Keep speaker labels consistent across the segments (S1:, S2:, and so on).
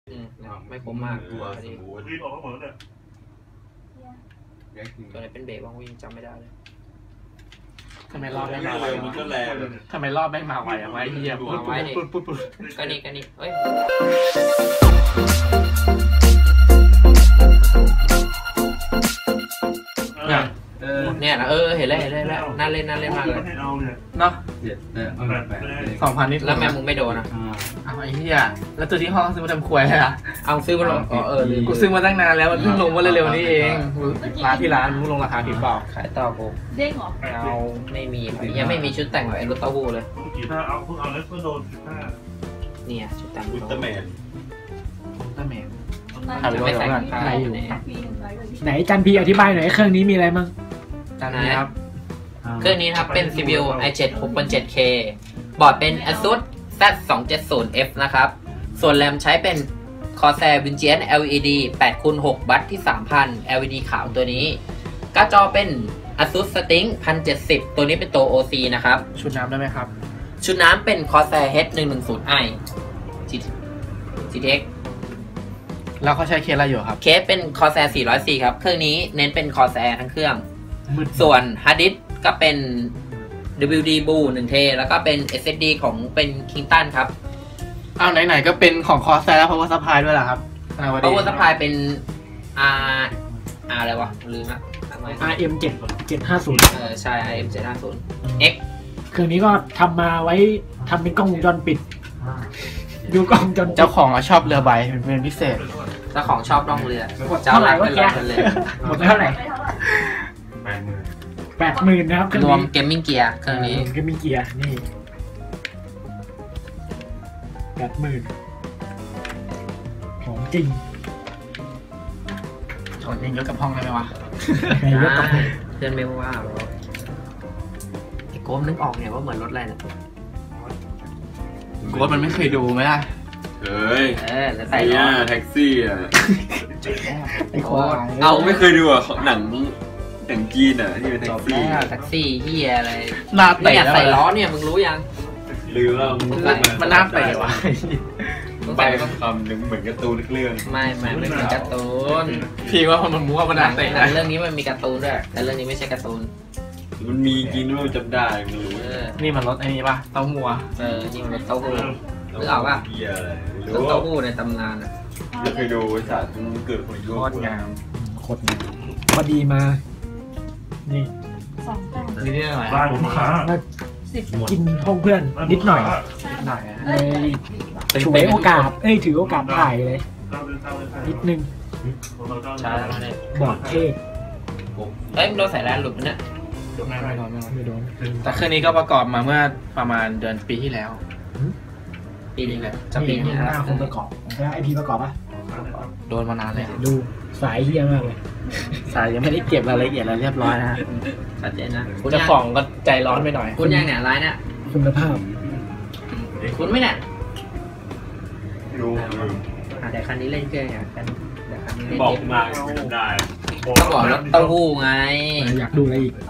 S1: ไม่คมมาก
S2: ตัวสมูท
S3: รีบออกมาหมดเลย
S1: ตัวไหนเป็นเบรกบ้างวิ่งจำไม่ได้เลย
S4: ทำไมรอบไม่มาไว
S2: มันก็แรง
S4: ทำไมรอบไม่มาไวอะไว้เฮียปุ๊บ
S1: ก็นี่เฮ้ยเนี่ยนะเห็นแล้วน่าเล่นมากเลย
S4: เนาะ2,000นิด
S1: แล้วแม่มึงไม่โดนนะ
S4: เอาไอ้เหี้ยแล้วตัวที่ห้องซื้อมาทำควยเลยอะ
S1: เอาซื้อมาลง
S4: กูซื้อมาตั้งนานแล้วมันเพิ่งลงมาเร็วๆนี้เองร้านมึงลงราคาผิดเปล่า
S1: ขายต่อกู
S5: เด้งเหรอ
S1: เอาไม่มียังไม่มีชุดแต่งแบบไอ้รถเต้าหู้เลย
S3: เอาเพิ่งเอาแล้วก็โดน
S1: เนี่ยชุดแต่ง
S2: อุลตร้าแมน
S1: ไม่ใส่
S4: ใครอยู่
S6: ไหนจันพีอธิบายหน่อยเครื่องนี้มีอะไรบ้าง
S4: จันพีครับ
S1: เครื่องนี้ครับเป็น CPU i7 6.7K บอร์ดเป็น ASUS Z270F นะครับส่วนแรมใช้เป็น Corsair Vengeance LED 8x6 บัตที่ 3000 LED ขาวตัวนี้การ์ดจอเป็น ASUS Strix 1070 ตัวนี้เป็นตัว OC นะครับ
S4: ชุดน้ำได้ไหมครับ
S1: ชุดน้ำเป็น Corsair H110i GTX
S4: แล้วเขาใช้เคสอะไรอยู่ครับ
S1: เคสเป็น Corsair 404ครับเครื่องนี้เน้นเป็น Corsair ทั้งเครื่องส่วนฮาร์ดดิสก์ก็เป็น WD Blue 1T แล้วก็เป็น SSD ของเป็น Kingston ครับ
S4: เอาไหนๆก็เป็นของคอร์สแล้ว Power Supply ด้วยเหรอครับ
S1: Power Supply เป็น อะไรวะลืมละ
S6: RM 750
S1: ใช่ RM 750 X
S6: เครื่องนี้ก็ทำมาไว้ทำเป็นกล้องวงจรปิดดูกล้องวงจร
S4: เจ้าของชอบเรือใบเป็นพิเศษ
S1: เจ้าของชอบล่องเรือ
S6: เจ้าหลักเป็นเลยหมดเท่าไหร่80,000นะครับ
S1: รวมเกมมิ่งเกียร์เครื่องนี้
S6: เกมมิ่งเกียร์นี่80,000ของจริง
S4: ชนเองยกกับห้องได้ไหมวะ
S1: เพื่อนไม่ว่าหรอกไอ้โก้มนึกออกเนี่ยว่าเหมือนรถอะไรเนี่ย
S4: โก้มันไม่เคยดูไหมล่ะ
S2: เฮ้ย
S1: แล้วใส่
S2: ล้อแท็กซี่อ่ะ
S6: ไอ้โค้ด
S2: เอาไม่เคยดูอ่ะหนังจีนอ่ะที่เป็นแท็กซี่
S1: แท็กซี่เฮียอะไรหน้าเตะใส่ล้อเนี่ยมึงรู้ยัง
S2: ลืมแล้ว
S4: มันหน้าเตะวะ
S2: ไปคำหนึ่งเหมือนการ์ตูนเรื่อง
S1: ไม่เหมือนการ์ตูน
S4: พี่ว่ามันมั่วมันหน้าเตะ
S1: เรื่องนี้มันมีการ์ตูนด้วยแต่เรื่องนี้ไม่ใช่การ์ตูน
S2: มันมีจริงด้วยจำได้ไม่รู้
S4: นี่มันรถไอ้นี่ป่ะเต้าหู้
S1: นี่มันรถเต้าหู้หรือเอาป่ะรถเต้าหู้ในตำนานอ่ะ
S2: ไม่เคยดูศาสตร์มันเกิดผลโคตรงาม
S6: โคตรงามพอดีมานี่
S4: นี่ได้ไหม
S6: กินห้องเพื่อนนิดหน่อยเลยถือโอกาสถือโอกาสถ่ายเลยนิดนึง
S1: ใช่
S6: บอกเท่
S1: มึงโดนใส่แลนหลุดมั้ยเนี่ย
S6: ไม่โดน
S4: แต่เครื่องนี้ก็ประกอบมาเมื่อประมาณเดือนปีที่แล้ว
S1: ปีนี้แหละ
S6: จะปีนี้หน้าคนประกอบแล้วไอพีประกอบป่ะ
S4: โดนมานานเลย
S6: ดูสายเฮี้ยมากเลย
S4: สายยังไม่ได้เก็บรายละเอียดอะไรเรียบร้อยนะ
S1: ชัดเจนนะ
S4: เจ้าของก็ใจร้อนไปหน่อย
S1: คุณยังเนี่ยร้ายเนี่ย
S6: คุณภาพ
S1: คุณไม่เนี่ย
S2: รู้
S1: แต่คันนี้เล่นเกมอ่ะกันแต่คันนี้เล่น
S2: บอกมาได้
S1: ก็บอกรถเต้าหู้ไง
S6: อยากดูอะไรอีก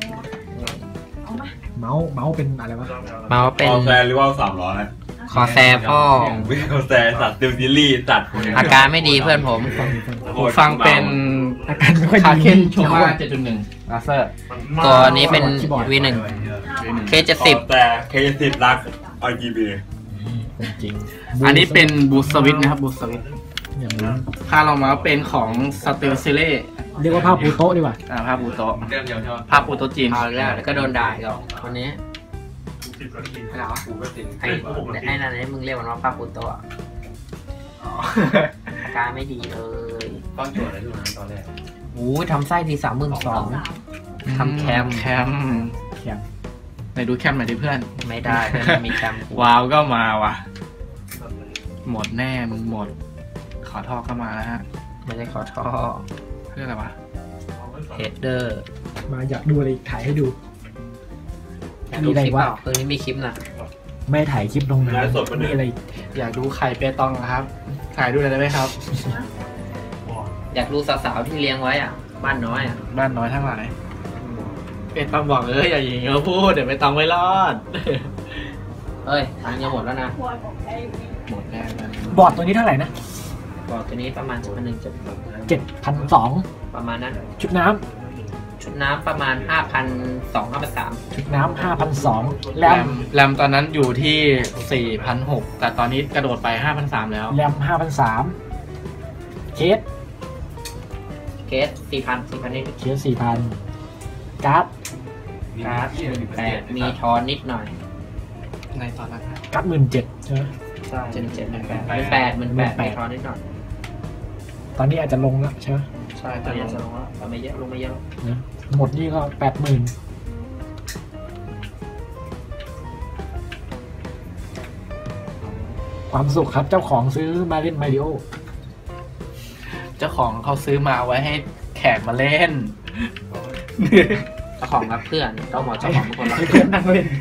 S6: เมาส์เป็นอะไรวะ
S1: เมาส์เป็น
S2: คอแซร์หรือว่า300
S1: คอแซร์พ่อ
S2: ไม่คอแซร์สัตว์ติวดิลี่สัตว์
S1: อาการไม่ดีเพื่อนผม
S4: ฟังเป็น
S6: อาการไม่ค่อยดี
S4: คาเคนโชว์ว่า 7.1 ลาเซอร์
S1: ตัวนี้เป็น V1 K70
S2: แต่ K70 รัก RGB
S4: จริงอันนี้เป็นบูสต์สวิตช์นะครับบูสต์สวิตช์ค่าลงมาเป็นของสติลซิเล่
S6: เรียกว่าภาพปูโต๊ะดีกว่า
S4: ภาพปูโต๊ะภาพปูโต๊ะจีน
S1: แล้วก็โดนด่าอีกวันนี้เหรอไอ้นั่นนี่มึงเรียกมันว่าภาพปูโต๊ะอาการไม่ดีเลย
S2: ก้อนโจทย์อะไรอยู่นั้นตอนแรก
S1: ทำไส้ที32,000ทำแคม
S4: ไหนดูแคมหน่อยดิเพื่อน
S1: ไม่ได้มีแคม
S4: ว้าวก็มาว่ะหมดแน่มึงหมดขอท่อก็มาแล้วฮะ
S1: ไม่ได้ขอท่อ
S4: เพื่ออะไรวะ
S1: เฮดเดอร์
S6: มาอยากดูอะไรถ่ายให้ดู
S1: มีอะไรวะคืนนี้มีคลิปนะ
S6: ไม่ถ่ายคลิปลงนะมีอะไร
S4: อยากดูไข่เปตองครับถ่ายดูอะไรได้ไหมครับ
S1: อยากดูสาวๆที่เลี้ยงไว้อ่ะบ้านน้อย
S4: ทั้งหลายเปตองบอกอย่าอย่างเงี้ยพูดเดี๋ยวเปตองไม่รอด
S1: ตังค์จะหมดแล้วนะ
S4: หมดแน่
S6: บอร์ดตัวนี้เท่าไหร่นะ
S1: บอร์ดตัวนี้ประมาณ
S6: 7,200
S1: ประมาณนั้น
S6: ชุดน้
S1: ชุดน้ำประมาณ 5,200 5,300
S6: ำชุดน้ำ5,200แรม
S4: แรมตอนนั้นอยู่ที่ 4,600 แต่ตอนนี้กระโดดไป 5,300 แล้ว
S6: แรม5,300เคส
S1: เคส 4,000 นิด
S6: เคส4,000การ์ด
S1: การ์ด18,000มีทอนนิดหน่อย
S4: ในตอนนั้น
S6: การ์ด17,000ใช่ไหม
S1: ใช่18,000มีทอนนิดหน่อย
S6: ตอนนี้อาจจะลงแล้วใช่ไหม
S1: ใช่ตอนนี้จะลงแล้วแต่ไม่เยอะลงไม่เยอะ
S6: นะหมดนี่ก็80,000ความสุขครับเจ้าของซื้อมาเล่นมาริโอ
S4: เจ้าของเขาซื้อมาไว้ให้แขกมาเล่น
S1: เจ้าของรับเพื่อนต้องบอกเจ้าของเป็นคนรับ
S6: ให้เพื่อนนั่งเล่น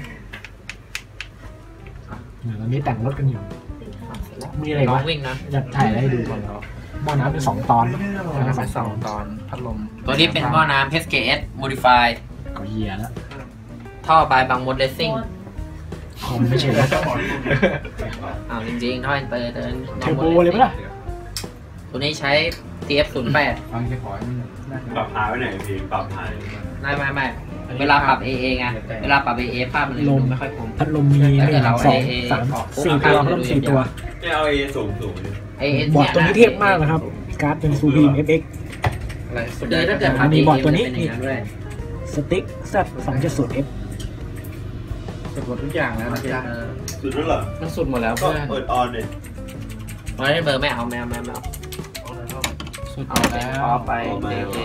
S6: ตอนนี้แต่งรถกันอยู่ มีอะไร
S1: น้อ
S6: วะ
S1: งวิ่งนะ
S6: จะถ่ายอะไรให้ดูก่อนแล้วหม้อน้ำเป็น2 ตอน
S4: ไปสองตอนพัดลม
S1: ตัวนี้เป็นหม้อน้ำ HKS Modify
S6: ก็เหี้ยแล้ว
S1: ท่อบายบางมดเลสซิ่ง
S6: คอมไม่ใช่แล้ว
S1: อ้าวจริงๆท่ออินเตอร์
S6: เทอร์โบเลยปะล่ะ
S1: ตัวนี้ใช้ TF08
S2: ปรับพายไว้ไหนพี่ปรับพาย
S1: ไม่เวลาปรับ AA ไงเวลาปรับ AA ภาพมันเลยดูไม่ค่อยคม
S6: พัดลมมี
S1: แล้วเกิดเรา
S6: 1 2
S1: AA
S6: 3 4 ตัวพัดลม4 ตัว
S2: ไม่เอาสูงเลย
S1: AA
S6: บอร์ดตัวนี้เทพมากนะครับ การ์ดเป็นซูพีม FX
S4: อะไรสุด
S1: คือถ้าเกิดปรับ
S6: มี
S1: AA
S6: บอร์ดตัวนี้
S1: มัจะเป็อย่างด้วย
S6: สติ๊ก Z270F
S4: สุดหมดทุกอย่างแล้วนะจ๊ะ
S2: สุดแล้วเหรอ
S4: มันสุดหมดแล้ว
S2: ก็
S4: เพื่อน
S2: เปิดออนเลย
S1: เพราะฉะนั้นเบอร์ไม่เอาไม่เอา
S4: สุดหม
S1: เอา
S4: ด
S1: เป็น
S4: แล้ว
S1: พอไป AA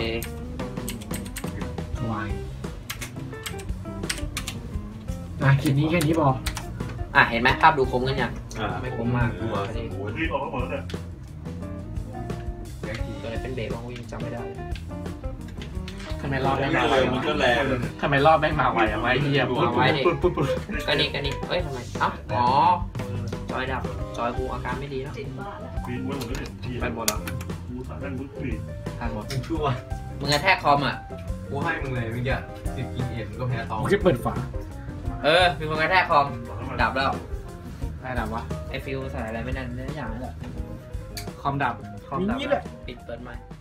S6: วายคลิปนี้แค่นี้พอ
S1: เห็นไหมภาพดูคมกันยัง ไม่คมมาก
S2: กลัว
S3: รีบออกมาหมดแล้วเนี่ย
S1: ตัวไหนเป็นเบรกบ้างวิ่งจำไม่ได้
S4: ทำไมรอบแม่งมาไว
S2: มันก็แรง
S4: ทำไมรอบแม่งมาไวอะไว้เฮียปุ๊บปุ๊บปุ๊บปุ๊บ
S1: ก็นี่เฮ้ยทำไมอ๋อจอยดับจอยกูอาการไม่ดีแล้ว
S3: ปีนไว้หมดแล้วเนี่ยที่
S4: ไปหมดแล้ว
S3: กูสายนั่นมุดปีน
S4: ผ่านหมด
S5: ชั่ว
S1: มึงกระแทกคอมอ่ะ
S5: กูให้มึงเลยเมื่อกี้10 กินเอ็มก็แพ้ทอง
S6: ผมจะเปิดฝา
S1: มีคนกระแทกคอมดับแล้ว
S4: ได้ดับวะ
S1: ไอฟิวใส่อะไรไม่นั่นไม่ได้อย่างนั้นแหละ
S4: คอมดับ
S6: อย่างนี้แหละ
S1: ปิดเปิดใหม่